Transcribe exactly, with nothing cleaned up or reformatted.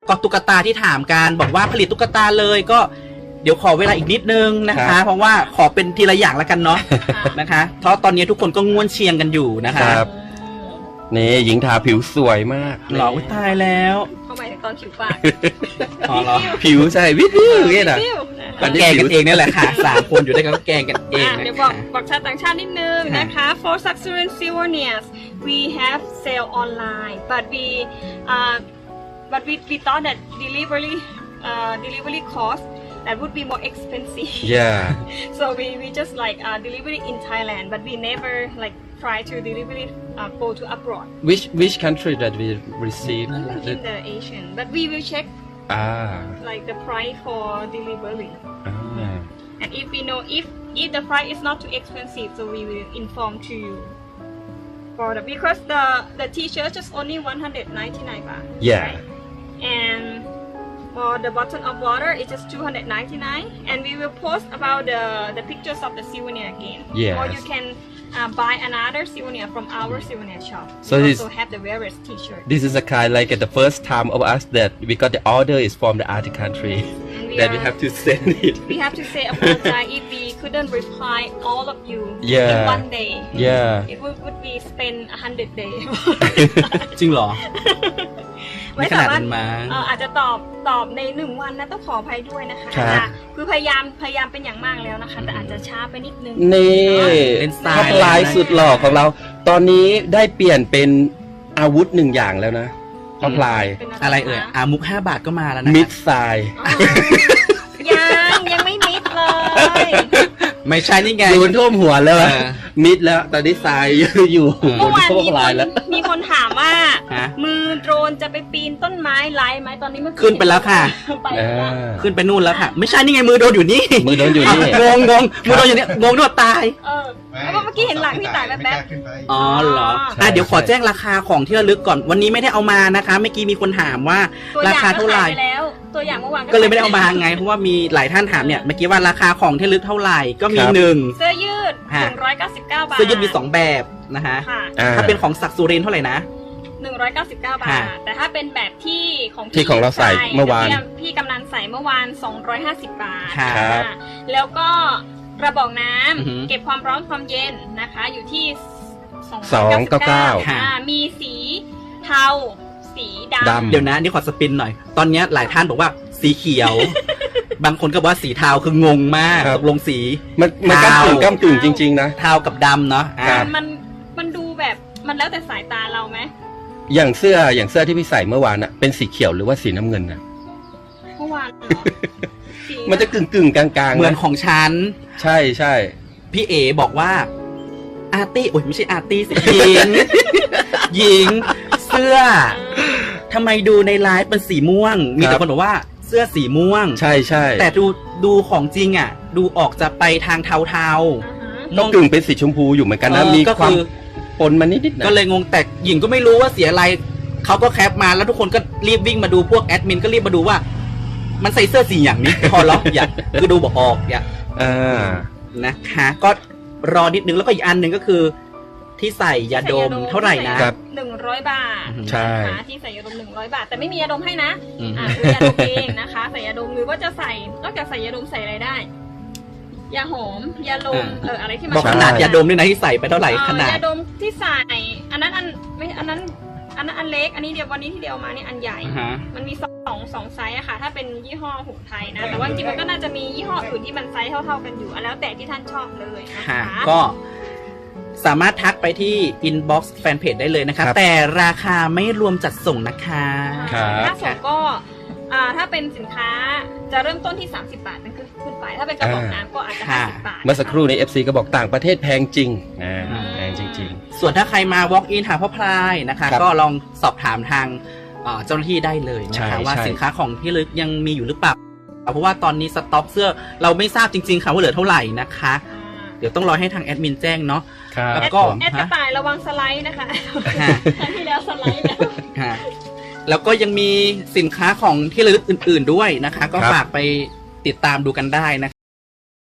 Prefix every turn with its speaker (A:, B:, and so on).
A: ก็ตุ๊กตาที่ถามกันบอกว่าผลิตตุ๊กตาเลยก็เดี๋ยวขอเวลาอีกนิดนึงนะคะ เพราะว่าขอเป็นทีละอย่างแล้วกันเนาะนะคะเพราะตอนนี้ทุกคนก็ง่วนเชียงกันอยู่นะคะ
B: นี่หญิงทาผิวสวยมาก
A: หล่อตายแล้ว
C: เข้าไปตอนผิวปาก
A: อ๋อเหรอ
B: ผิวใช่วิววิวเนี่ยนะ
A: ก็แกงกันเองนี่แหละค่ะสามคนอยู่ด้วยกันก็แกงกันเองนะ
C: เดี๋ยวบอกบอกชาวต่างชาตินิดนึงนะคะ for Saxurian souvenirs we have sale online but we uh but we we thought that delivery uh delivery cost that would be more expensive
B: yeah
C: so we we just like uh delivery in Thailand but we never like try to delivery uh, go to abroad
B: which which country that we receive
C: in the Asian but we will check
B: ah
C: like the price for delivery
B: ah
C: and if we know if if the price is not too expensive so we will inform to you for the because the the t-shirt just only one hundred ninety-nine baht
B: yeah
C: right? and for the bottle of water it's just two hundred ninety-nine and we will post about the the pictures of the souvenir again
B: yes.
C: or you can uh, buy another souvenir from our souvenir shop
B: so
C: we
B: this
C: also have the various t-shirt
B: this is a kind like the first time of us that we got the order is from the other country
C: we
B: that
C: are,
B: we have to send it
C: we have to say apologize if we couldn't reply all of you
B: yeah.
C: in one day
B: yeah
C: it would, would be spend a hundred days
A: จริงเหรอ
C: ไม่สามารถอาจจะตอบตอบในหนึ่งวันนะต้องขออภัยด้วยนะคะคือพยายามพยายามเป็นอย่างมากแล้วนะคะแต่อาจจะช้าไปนิดนึง
B: นี่ท็อปไลน์สุดหล่อของเราตอนนี้ได้เปลี่ยนเป็นอาวุธหนึ่งอย่างแล้วนะท็อปไลน์
A: อะไรเอ่ยอามุกห้าบาทก็มาแล้วนะ
B: มิดไซ
C: ยังยังไม่มิดเลย
A: ไม่ใช่นี่ไง
B: โดนท่วมหัวแล้วมิดแล้วตอนนี้ทรายอยู่บนโลกลายแล้ว
C: มีคนถามว่ามือโดรนจะไปปีนต้นไม้ไล่ไหมตอนนี้มัน
A: ขึ้นไปแล้วค่ะขึ้นไปนู่นแล้วค่ะไม่ใช่นี่ไงมือโดนอยู่นี่
B: มือโดนอยู่นี่
A: งงงงมือโดนอยู่นี่งงโดนตาย
C: เออแล้วเมื่อกี้เห็นหลังพี่ตายแบบแบบ
A: อ๋อเหรออ่ะเดี๋ยวขอแจ้งราคาของที่ระลึกก่อนวันนี้ไม่ได้เอามานะคะเมื่อกี้มีคนถามว่าราคาเท่าไหร่
C: ตัวอย่างเมื่อวาน
A: ก็เลยไม่ได้เอามาไงเพราะว่ามีหลายท่านถามเนี่ยเมื่อกี้ว่าราคาของที่ระลึกเท่าไหร่ก็มีหนึ่ง
C: เสื้อยืดหนึ่งร้อยเก้าสิบเก้าบาท
A: เสื้อยืดมีสองแบบนะคะถ้าเป็นของศักดิ์สุรินทร์เท่าไหร่นะ
C: หนึ่งร้อยเก้าสิบเก้าบาทแต่ถ้าเป็นแบบที่ของ
B: ที่ของเราใส่เมื่อวาน
C: พี่กำนันใส่เมื่อวานสองร้อยห้าสิบบาทแล้วก็กระบอกน้ำเก็บความร้อนความเย็นนะคะอยู่ที่
B: สองร้อยเก้าสิบเก้า
C: มีสีเทาสีดำ
A: เดี๋ยวนะนี่ขอสปินหน่อยตอนนี้หลายท่านบอกว่าสีเขียวบางคนก็บอกว่าสีเทาคืองงมากตกลงสี
B: มันมันก้ามกึ่งก้ามกึ่งจริงๆนะ
A: เทากับดำเนาะ
C: มันมันดูแบบมันแล้วแต่สายตาเราไหม
B: อย่างเสื้ออย่างเสื้อที่พี่ใส่เมื่อวานอะเป็นสีเขียวหรือว่าสีน้ำเงินนะ
C: เมื่อวาน
B: มันจะกึ่งกึ่งกลางๆ
A: เหมือนของฉัน
B: ใช่ใช่
A: พี่เอบอกว่าอาร์ตี้โอ้ยไม่ใช่อาร์ตี้สิหญิงหญิงเสื้อทำไมดูในไลฟ์เป็นสีม่วงมีแต่คนบอกว่าเสื้อสีม่วง
B: ใช่ใช่
A: แต่ดูดูของจริงอ่ะดูออกจะไปทางเทาๆ
B: น้องกึ่งเป็นสีชมพูอยู่เหมือนกันนะมีความปนมานิดๆ
A: ก็เลยงงแต่หญิงก็ไม่รู้ว่าเสียอะไรเขาก็แคปมาแล้วทุกคนก็รีบวิ่งมาดูพวกแอดมินก็รีบมาดูว่ามันใส่เสื้อสีอย่างนี้พอล็อกอย่าคือดูบอกออกอย่า
B: อ่า
A: นะคะก็รอนิดนึงแล้วก็อีกอันหนึ่งก็คือที่ใส่ยาดมเท่าไหร่นะ
C: หนึ่งร้อยบาท
B: ใช่
C: ที่ใส่ยาดมหนึ่งร้อยบาทแต่ไม่มียาดมให้นะอ่าคือยาดมเองนะคะใส่ยาดมหรือว่าจะใส่นอกจากใส่ยาดมใส่อะไรได้ยาหอมยาลมเอออะไรที่มัน
A: บอกขนาดยาดมด้วยนะที่ใส่ไปเท่าไหร่ขนาด
C: ยาดมที่ใส่อันนั้นอันไม่อันนั้นอันนั้นอันเล็กอันนี้เดียววันนี้ที่เดียวมานี่อันใหญ่มันมีสองสองไซส์อะค่ะถ้าเป็นยี่ห้อหูไทยนะแต่ว่าจริงๆมันก็น่าจะมียี่ห้ออื่นที่มันไซส์เท่าๆกันอยู่แล้วแต่ที่ท่านชอบเลยนะคะ
A: ก็สามารถทักไปที่ inbox fanpage ได้เลยนะคะแต่ราคาไม่รวมจัดส่งนะคะ
C: ถ้าส่งก็ถ้าเป็นสินค้าจะเริ่มต้นที่สามสิบบาทเป็นขึ้นไปถ้าเป็นกระบอกน้ำก็อาจจะห้าสิบบาท
B: เมื่อสักครู่ใน เอฟ ซี ก็บอกต่างประเทศแพงจริงแพงจริง
A: ๆส่วนถ้าใครมา walk in หาพ่อพลายนะคะก็ลองสอบถามทางเจ้าหน้าที่ได้เลยนะคะว่าสินค้าของที่ระลึกยังมีอยู่หรือเปล่าเพราะว่าตอนนี้สต็อกเสื้อเราไม่ทราบจริงๆค่ะว่าเหลือเท่าไหร่นะคะเดี๋ยวต้องรอให้ทางแอดมินแจ้งเนาะ
C: แล้วก็แอดกระต่ายระวังสไลด์นะคะครั้งที่แล้วสไลด์แล้ว
A: แล้วก็ยังมีสินค้าของที่ระลึกอื่นๆด้วยนะคะก็ฝากไปติดตามดูกันได้นะคะ